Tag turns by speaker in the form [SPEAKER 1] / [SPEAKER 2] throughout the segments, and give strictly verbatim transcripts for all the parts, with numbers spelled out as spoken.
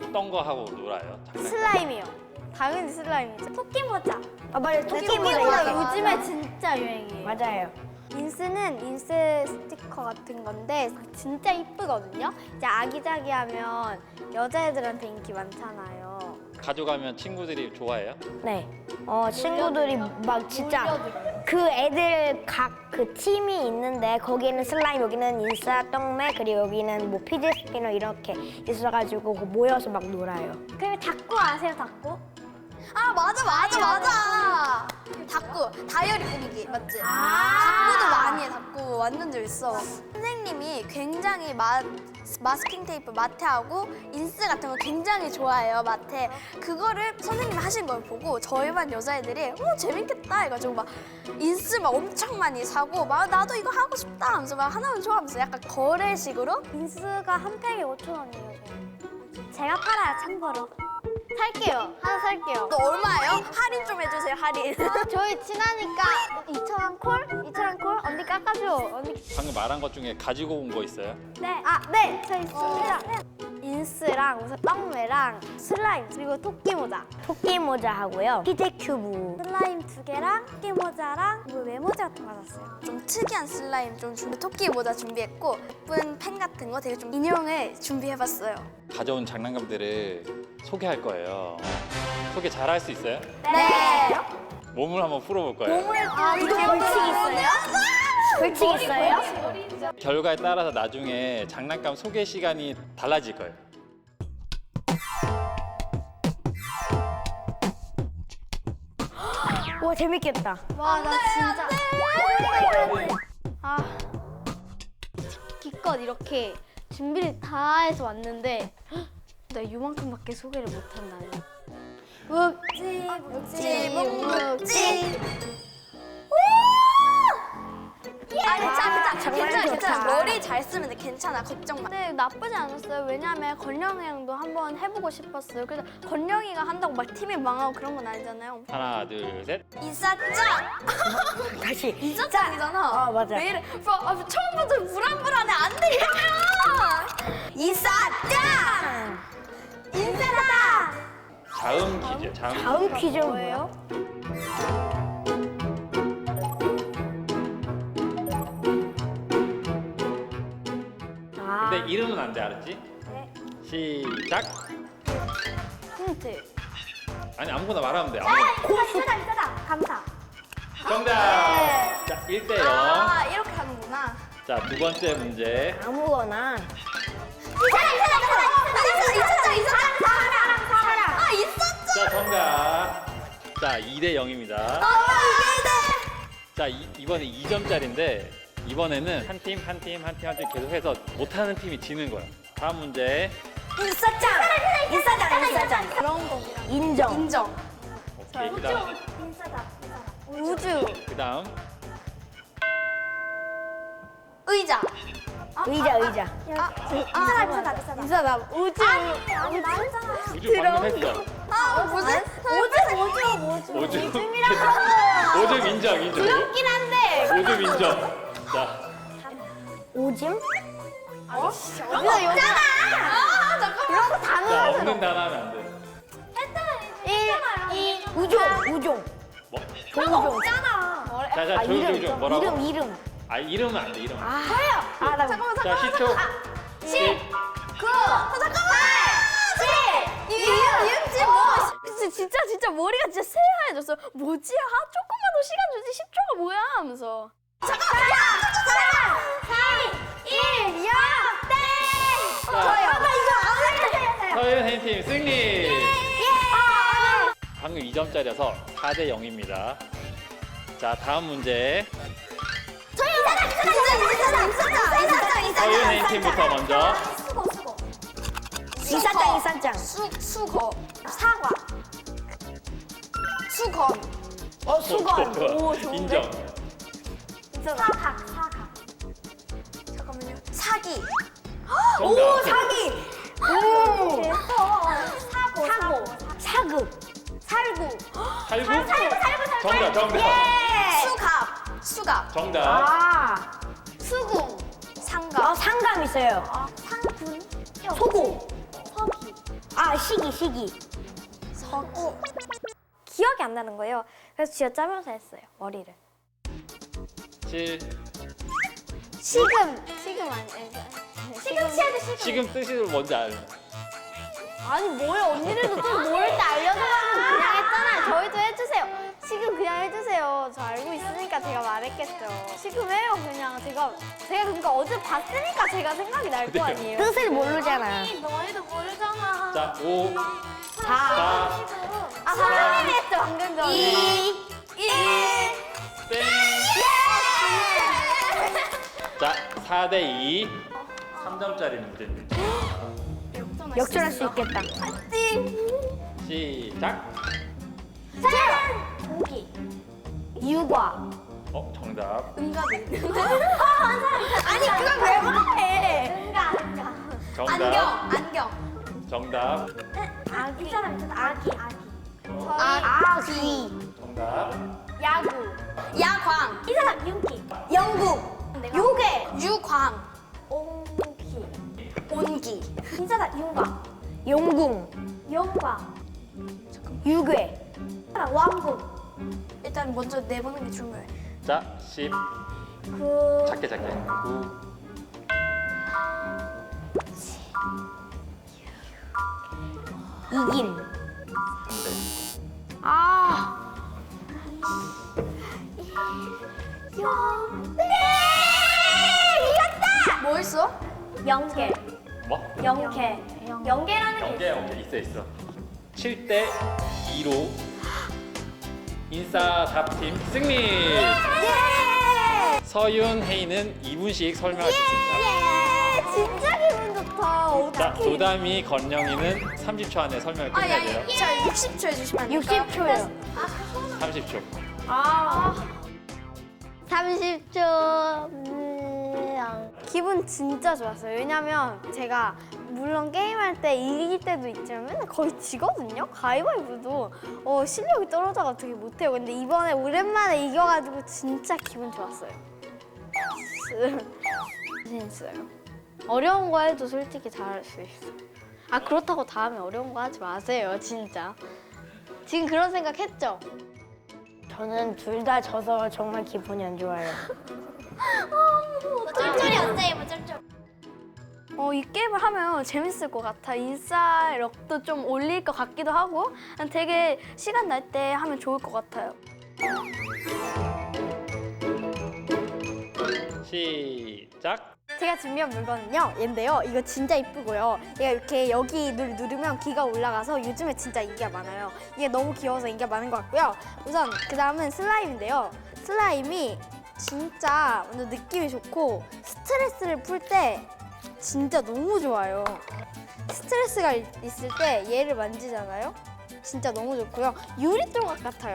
[SPEAKER 1] 어떤 거 하고 놀아요? 장난감?
[SPEAKER 2] 슬라임이요. 당연히 슬라임이죠. 토끼 모자.
[SPEAKER 3] 아 맞아요.
[SPEAKER 2] 토끼
[SPEAKER 3] 토끼 모자
[SPEAKER 2] 모자
[SPEAKER 3] 이렇게.
[SPEAKER 2] 요즘에 진짜 유행이에요.
[SPEAKER 3] 맞아요.
[SPEAKER 2] 인스는 인스 스티커 같은 건데 진짜 이쁘거든요. 이제 아기자기하면 여자애들한테 인기 많잖아요.
[SPEAKER 1] 가져가면 친구들이 좋아해요?
[SPEAKER 3] 네. 어 친구들이 막 진짜 그 애들 각 그 팀이 있는데 거기는 슬라임, 여기는 인싸, 떡매, 그리고 여기는 뭐 피지 스피너 이렇게 있어가지고 모여서 막 놀아요.
[SPEAKER 2] 그리고 닭구 아세요, 닭구?
[SPEAKER 4] 아 맞아 맞아 맞아. 닭구 다이어리 꾸미기 맞지?
[SPEAKER 2] 아.
[SPEAKER 4] 닭구도 많이 해. 닭구 완전 재밌어. 선생님이 굉장히 마, 마스킹 테이프 마테하고 인스 같은 거 굉장히 좋아해요. 마테 그거를 선생님이 하신 걸 보고 저희 반 여자애들이 어 재밌겠다 해가지고 막 인스 막 엄청 많이 사고 막 나도 이거 하고 싶다 하면서 막 하나만 좋아하면서 약간 거래식으로
[SPEAKER 2] 인스가 한 팩에 오천 원이에요. 제가 팔아요, 참고로. 살게요. 하나 살게요.
[SPEAKER 4] 너 얼마예요? 할인 좀 해주세요 할인.
[SPEAKER 2] 저희 친하니까 이천 원 콜? 이천 원 콜? 언니 깎아줘. 언니.
[SPEAKER 1] 방금 말한 것 중에 가지고 온 거 있어요?
[SPEAKER 2] 네. 아, 네. 저 있습니다. 인스랑 무슨 떡매랑 슬라임 그리고 토끼 모자.
[SPEAKER 3] 토끼 모자 하고요. 피지 큐브.
[SPEAKER 2] 슬라임 두 개랑 토끼 모자랑 뭐 메모지 같은 거 받았어요.
[SPEAKER 4] 좀 특이한 슬라임 좀 준비, 토끼 모자 준비했고 예쁜 펜 같은 거 되게 좀 인형을 준비해봤어요.
[SPEAKER 1] 가져온 장난감들을 소개할 거예요. 소개 잘 할 수 있어요?
[SPEAKER 4] 네.
[SPEAKER 1] 몸을 한번 풀어볼 거예요.
[SPEAKER 4] 아, 이거 벌칙 있어요?
[SPEAKER 3] 벌칙 있어요?
[SPEAKER 1] 결과에 따라서 나중에 장난감 소개 시간이 달라질 거예요.
[SPEAKER 3] 와 재밌겠다.
[SPEAKER 2] 와, 나 진짜. 아. 기껏 이렇게 준비를 다 해서 왔는데 나 이만큼밖에 소개를 못한다니. 묵지, 묵지,
[SPEAKER 4] 묵묵지. 아 괜찮아 괜찮아
[SPEAKER 3] 정말
[SPEAKER 4] 괜찮아
[SPEAKER 3] 좋다.
[SPEAKER 4] 괜찮아 머리 잘 쓰면 돼 괜찮아 걱정 마.
[SPEAKER 2] 근데 나쁘지 않았어요. 왜냐면 건영이 형도 한번 해보고 싶었어요. 그래서 건영이가 한다고 막 팀이 망하고 그런 건 아니잖아요.
[SPEAKER 1] 하나, 둘, 셋.
[SPEAKER 4] 인싸짱
[SPEAKER 3] 다시.
[SPEAKER 4] 인싸짱이잖아.
[SPEAKER 3] 어, 맞아.
[SPEAKER 4] 왜 이래? 뭐, 아, 처음부터 불안불안해 안 돼 이러면. 인싸짱 인싸다.
[SPEAKER 1] 다음 퀴즈. 다음.
[SPEAKER 3] 다음 퀴즈는
[SPEAKER 2] 뭐예요?
[SPEAKER 3] 뭐예요? 아,
[SPEAKER 1] 근데 이름은 안 돼, 알았지?
[SPEAKER 2] 네.
[SPEAKER 1] 시작.
[SPEAKER 2] 힌트.
[SPEAKER 1] 아니 아무거나 말하면 돼. 아무거나.
[SPEAKER 2] 인싸다, 인싸다. 감사.
[SPEAKER 1] 정답. 자, 일 대 영.
[SPEAKER 4] 아 이렇게 하는구나.
[SPEAKER 1] 자, 두 번째 문제.
[SPEAKER 3] 아무거나.
[SPEAKER 4] 인싸다 인싸다 인싸다 인싸짱 인싸짱 사랑 사랑 아 인싸짱.
[SPEAKER 1] 자, 정답. 자, 이 대 영입니다.
[SPEAKER 4] 아 이게
[SPEAKER 1] 자, 이, 이번에 이 점짜리인데 이번에는 한 팀, 한 팀, 한 팀, 한 팀 계속 해서 못하는 팀이 지는 거야. 다음 문제.
[SPEAKER 3] 인싸짱. 인싸짱. 인싸짱.
[SPEAKER 2] 그런 거기랑.
[SPEAKER 3] 인정.
[SPEAKER 4] 인정.
[SPEAKER 1] 오케이, 그 다음.
[SPEAKER 2] 인싸다. 우주.
[SPEAKER 1] 그 다음.
[SPEAKER 4] 의자.
[SPEAKER 3] 의자 의자.
[SPEAKER 2] 인싸다, 인싸다, 인싸다. 인싸다. 우주. 아니, 아니, 나 했잖아.
[SPEAKER 1] 우주 방금 했어.
[SPEAKER 4] 아 무슨
[SPEAKER 2] 우주, 우주, 우주.
[SPEAKER 1] 오줌. 오줌 인정, 인정.
[SPEAKER 2] 귀엽긴 한데.
[SPEAKER 1] 오줌 인정. 자,
[SPEAKER 3] 오줌?
[SPEAKER 2] 여기서 여기.
[SPEAKER 4] 아 잠깐만.
[SPEAKER 2] 이런 거 다
[SPEAKER 1] 자,
[SPEAKER 2] 넣어서.
[SPEAKER 1] 없는 단어 하면 안 돼.
[SPEAKER 2] 일, 이,
[SPEAKER 3] 우종. 우종.
[SPEAKER 1] 뭐?
[SPEAKER 3] 종종.
[SPEAKER 2] 있잖아.
[SPEAKER 1] 자, 자,
[SPEAKER 3] 아
[SPEAKER 1] 조용, 조용,
[SPEAKER 3] 이름.
[SPEAKER 1] 조용. 뭐라고?
[SPEAKER 3] 이름 이름.
[SPEAKER 1] 아, 이름은 안 돼, 이름은.
[SPEAKER 3] 아. 아 나.
[SPEAKER 1] 자, 십 초. 십.
[SPEAKER 4] 구. 아, 잠깐만. 칠. 이음 이음집 뭐?
[SPEAKER 2] 진짜, 진짜, 진짜 머리가 진짜 새하얘졌어. 뭐지? 아, 조금만 더 시간 주지. 십 초가 뭐야? 하면서.
[SPEAKER 4] 잠깐만. 야.
[SPEAKER 2] 삼, 일, 영, 땡!
[SPEAKER 1] 자,
[SPEAKER 2] 저요. 나 이거 안 했어요.
[SPEAKER 1] 서윤 혜인팀 승리!
[SPEAKER 2] 예!
[SPEAKER 1] 방금 이 점짜리여서 사 대 영입니다. 자, 다음 문제.
[SPEAKER 4] 저희 인사다 인사다 인사다 인사다 인사다
[SPEAKER 1] 서윤 혜인팀부터 먼저.
[SPEAKER 2] 수고, 수고.
[SPEAKER 3] 인싸짱 인싸짱.
[SPEAKER 4] 수 수거 사과 수건
[SPEAKER 3] 어 수건. 오
[SPEAKER 1] 인정.
[SPEAKER 2] 사각, 사각.
[SPEAKER 4] 잠깐만요 사기
[SPEAKER 1] 정답.
[SPEAKER 3] 사기.
[SPEAKER 2] 오!
[SPEAKER 3] 오.
[SPEAKER 2] 사고, 사고.
[SPEAKER 3] 사급.
[SPEAKER 2] 살구.
[SPEAKER 1] 살구?
[SPEAKER 2] 살구, 살구,
[SPEAKER 1] 정답, 정답.
[SPEAKER 2] 예!
[SPEAKER 4] 수갑 수갑
[SPEAKER 1] 정답.
[SPEAKER 3] 아.
[SPEAKER 2] 수궁.
[SPEAKER 4] 상갑
[SPEAKER 3] 어 상감 있어요.
[SPEAKER 2] 상군.
[SPEAKER 3] 소고.
[SPEAKER 2] 서기.
[SPEAKER 3] 아 시기 시기.
[SPEAKER 2] 어, 기억이 안 나는 거예요. 그래서 쥐어짜면서 했어요, 머리를.
[SPEAKER 1] 칠.
[SPEAKER 2] 시금. 시금 아니, 시금치에도 시금.
[SPEAKER 1] 지금 뜻이 뭔지 알아.
[SPEAKER 2] 아니 뭐야, 언니들도 좀 모를 때 알려줘가지고 그냥 했잖아요. 저희도 해주세요. 시금 그냥 해주세요. 저 알고 있으니까 제가 말했겠죠. 시금 해요, 그냥. 제가 제가 그러니까 어제 봤으니까 제가 생각이 날 거 아니에요.
[SPEAKER 3] 뜻을 모르잖아.
[SPEAKER 2] 아니, 너희도 모르잖아.
[SPEAKER 1] 자, 오,
[SPEAKER 2] 사.
[SPEAKER 1] 사,
[SPEAKER 2] 아, 선생님이 했죠, 방금 전에.
[SPEAKER 3] 이.
[SPEAKER 2] 일.
[SPEAKER 1] 땡. 자, 사 대 이. 삼 점짜리 문제입니다.
[SPEAKER 3] 역전할 수 있겠다.
[SPEAKER 1] 시작.
[SPEAKER 2] 고기.
[SPEAKER 3] 유과.
[SPEAKER 1] 어, 정답.
[SPEAKER 2] 응가도 있는데. 아니, 그걸 왜 말해? 응가, 응가.
[SPEAKER 1] 정답.
[SPEAKER 4] 안경, 안경.
[SPEAKER 1] 정답.
[SPEAKER 2] 아기. 이 사람 있잖아, 아기, 아기.
[SPEAKER 3] 아기.
[SPEAKER 1] 정답.
[SPEAKER 2] 야구.
[SPEAKER 4] 야광,
[SPEAKER 2] 이 사람 윤기.
[SPEAKER 4] 영국,
[SPEAKER 2] 요괴.
[SPEAKER 4] 유광,
[SPEAKER 2] 옹기.
[SPEAKER 4] 온기,
[SPEAKER 2] 이 사람 윤광.
[SPEAKER 3] 용궁.
[SPEAKER 2] 영광.
[SPEAKER 3] 유괴.
[SPEAKER 2] 이 사람 왕국.
[SPEAKER 4] 일단 먼저 내보는 게 중요해.
[SPEAKER 1] 자, 십.
[SPEAKER 2] 그.
[SPEAKER 1] 작게 작게. 구.
[SPEAKER 3] 이긴.
[SPEAKER 1] 삼
[SPEAKER 3] 아.
[SPEAKER 4] 뭐 있어?
[SPEAKER 2] 영계.
[SPEAKER 1] 대. 뭐?
[SPEAKER 2] 영계. 영계라는 게
[SPEAKER 1] 연계 연계 있어 있어. 칠 대 이로 인싸 답팀 승리.
[SPEAKER 2] 예!
[SPEAKER 1] 서윤, 혜인은 이 분씩 설명할 수 있습니다.
[SPEAKER 2] 예! 진짜 기분 좋다.
[SPEAKER 1] 자,
[SPEAKER 2] 어떡해.
[SPEAKER 1] 도담이, 건영이는 삼십 초 안에 설명을
[SPEAKER 4] 아, 야,
[SPEAKER 1] 끝내야 돼요.
[SPEAKER 4] 자, 육십 초 해주시면 안 될까요?
[SPEAKER 3] 육십 초요.
[SPEAKER 1] 삼십 초.
[SPEAKER 2] 아. 삼십 초. 기분 진짜 좋았어요. 왜냐면 제가 물론 게임할 때 이길 때도 있지만 맨날 거의 지거든요. 가위바위보도 어, 실력이 떨어져가 되게 못해요. 근데 이번에 오랜만에 이겨가지고 진짜 기분 좋았어요. 재밌어요. 어려운 거 해도 솔직히 잘할 수 있어요. 아, 그렇다고 다음에 어려운 거 하지 마세요, 진짜. 지금 그런 생각 했죠?
[SPEAKER 3] 저는 둘 다 져서 정말 기분이 안 좋아요.
[SPEAKER 2] 쫄쫄이 언제 해봐, 쫄쫄. 어, 이 게임을 하면 재밌을 것 같아. 인싸력도 좀 올릴 것 같기도 하고 되게 시간 날 때 하면 좋을 것 같아요.
[SPEAKER 1] 시작.
[SPEAKER 2] 제가 준비한 물건은요, 얘인데요. 이거 진짜 이쁘고요. 얘가 이렇게 여기 누, 누르면 귀가 올라가서 요즘에 진짜 인기가 많아요. 이게 너무 귀여워서 인기가 많은 것 같고요. 우선 그 다음은 슬라임인데요. 슬라임이 진짜 완전 느낌이 좋고 스트레스를 풀 때 진짜 너무 좋아요. 스트레스가 있- 있을 때 얘를 만지잖아요. 진짜 너무 좋고요. 유리 조각 같아요.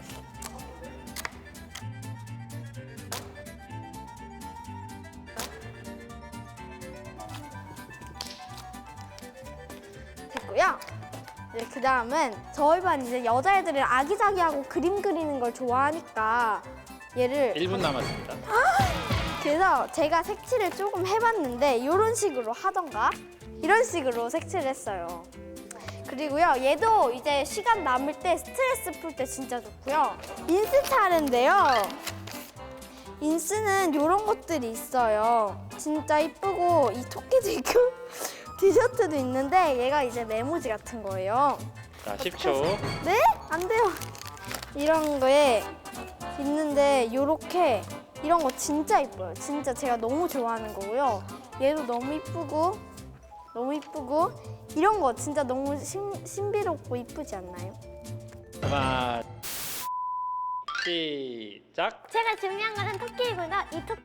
[SPEAKER 2] 됐고요. 네, 그 다음은 저희 반 이제 여자애들은 아기자기하고 그림 그리는 걸 좋아하니까 얘를
[SPEAKER 1] 일 분 남았습니다.
[SPEAKER 2] 그래서 제가 색칠을 조금 해봤는데 이런 식으로 하던가 이런 식으로 색칠을 했어요. 그리고요, 얘도 이제 시간 남을 때 스트레스 풀 때 진짜 좋고요. 인스 차례인데요. 인스는 이런 것들이 있어요. 진짜 이쁘고 이 토끼도 있고 디저트도 있는데 얘가 이제 메모지 같은 거예요.
[SPEAKER 1] 자, 십 초.
[SPEAKER 2] 네? 안 돼요. 이런 거에 있는데 요렇게 이런 거 진짜 이뻐요. 진짜 제가 너무 좋아하는 거고요. 얘도 너무 이쁘고 너무 이쁘고 이런 거 진짜 너무 신, 신비롭고 이쁘지 않나요?
[SPEAKER 1] 하나. 시작.
[SPEAKER 2] 제가 준비한 거는 토끼이고요. 이 토끼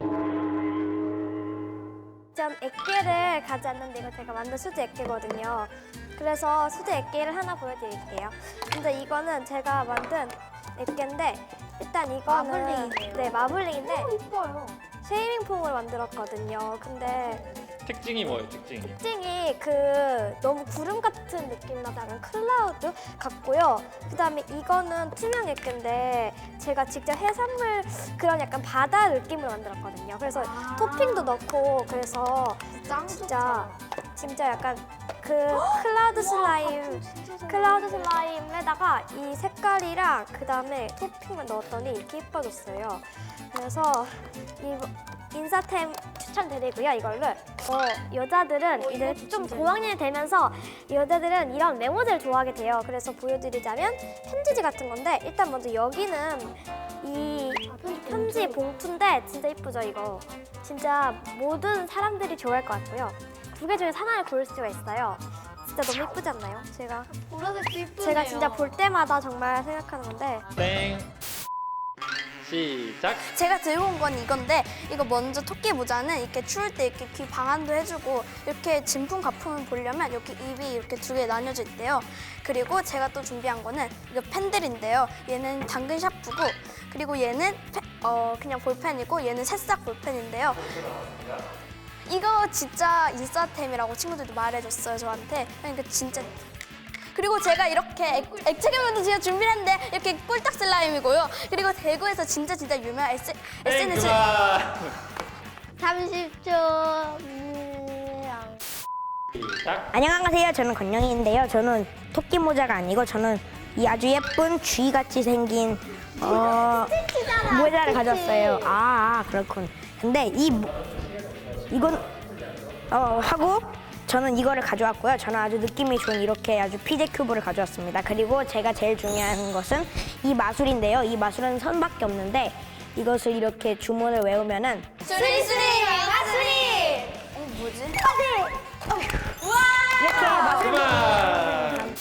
[SPEAKER 2] 전 액계를 가져왔는데 이거 제가 만든 수제 액계거든요. 그래서 수제 액계를 하나 보여드릴게요. 근데 이거는 제가 만든 액계인데 일단 이거는
[SPEAKER 4] 마블링이네요.
[SPEAKER 2] 네, 마블링인데
[SPEAKER 4] 너무 이뻐요.
[SPEAKER 2] 쉐이밍 폼을 만들었거든요. 근데
[SPEAKER 1] 특징이 뭐예요, 특징이?
[SPEAKER 2] 특징이 그 너무 구름 같은 느낌 나서 약간 클라우드 같고요. 그다음에 이거는 투명 액계인데 제가 직접 해산물 그런 약간 바다 느낌으로 만들었거든요. 그래서 토핑도 넣고 그래서
[SPEAKER 4] 짱
[SPEAKER 2] 진짜 진짜 약간 그 클라우드 슬라임, 클라우드 슬라임에다가 이 색깔이랑 그 다음에 토핑을 넣었더니 이렇게 예뻐졌어요. 그래서 이 인싸템 추천드리고요, 이걸로. 어, 여자들은 이제 좀 고학년이 되면서 여자들은 이런 메모지를 좋아하게 돼요. 그래서 보여드리자면 편지지 같은 건데 일단 먼저 여기는 이 편지 봉투인데 진짜 예쁘죠, 이거. 진짜 모든 사람들이 좋아할 것 같고요. 두 개 중에 하나를 고를 수가 있어요. 진짜 너무 예쁘지 않나요? 제가
[SPEAKER 4] 보라색도 이쁘네요.
[SPEAKER 2] 제가 진짜 볼 때마다 정말 생각하는 건데
[SPEAKER 1] 땡. 시작.
[SPEAKER 4] 제가 들고 온 건 이건데 이거 먼저 토끼 모자는 이렇게 추울 때 이렇게 귀 방안도 해주고 이렇게 진품 가품을 보려면 이렇게 입이 이렇게 두 개 나뉘어져 있대요. 그리고 제가 또 준비한 거는 이거 펜들인데요. 얘는 당근 샤프고 그리고 얘는 페, 어, 그냥 볼펜이고 얘는 새싹 볼펜인데요. 이거 진짜 인싸템이라고 친구들도 말해줬어요, 저한테. 그러니까 진짜. 그리고 제가 이렇게 액, 액체 괴물도 제가 준비를 했는데 이렇게 꿀딱 슬라임이고요. 그리고 대구에서 진짜 진짜 유명한 에스,
[SPEAKER 1] 땡
[SPEAKER 4] 에스엔에스
[SPEAKER 1] 그만.
[SPEAKER 2] 삼십 초.
[SPEAKER 1] 시작.
[SPEAKER 3] 안녕하세요. 저는 건영이인데요. 저는 토끼 모자가 아니고 저는 이 아주 예쁜 쥐같이 생긴 어, 모자를 가져왔어요. 아, 아, 그렇군. 근데 이 모- 이건 어, 하고 저는 이거를 가져왔고요. 저는 아주 느낌이 좋은 이렇게 아주 피제 큐브를 가져왔습니다. 그리고 제가 제일 중요한 것은 이 마술인데요. 이 마술은 선밖에 없는데 이것을 이렇게 주문을 외우면은
[SPEAKER 4] 수리수리 마수리. 어 뭐지?
[SPEAKER 3] 이렇게 마술
[SPEAKER 1] 그만.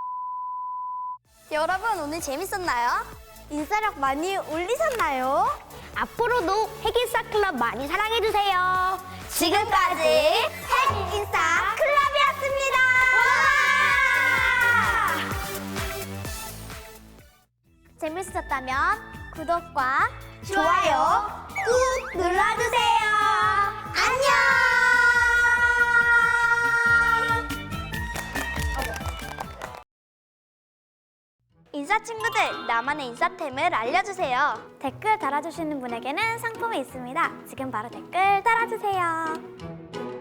[SPEAKER 4] 여러분 오늘 재밌었나요?
[SPEAKER 2] 인싸력 많이 올리셨나요?
[SPEAKER 3] 앞으로도 핵인싸 클럽 많이 사랑해주세요.
[SPEAKER 4] 지금까지 핵인싸 클럽이었습니다.
[SPEAKER 2] 재밌으셨다면 구독과
[SPEAKER 4] 좋아요 꾹 눌러주세요. 안녕. 인싸 친구들, 나만의 인싸템을 알려주세요.
[SPEAKER 2] 댓글 달아주시는 분에게는 상품이 있습니다. 지금 바로 댓글 달아주세요.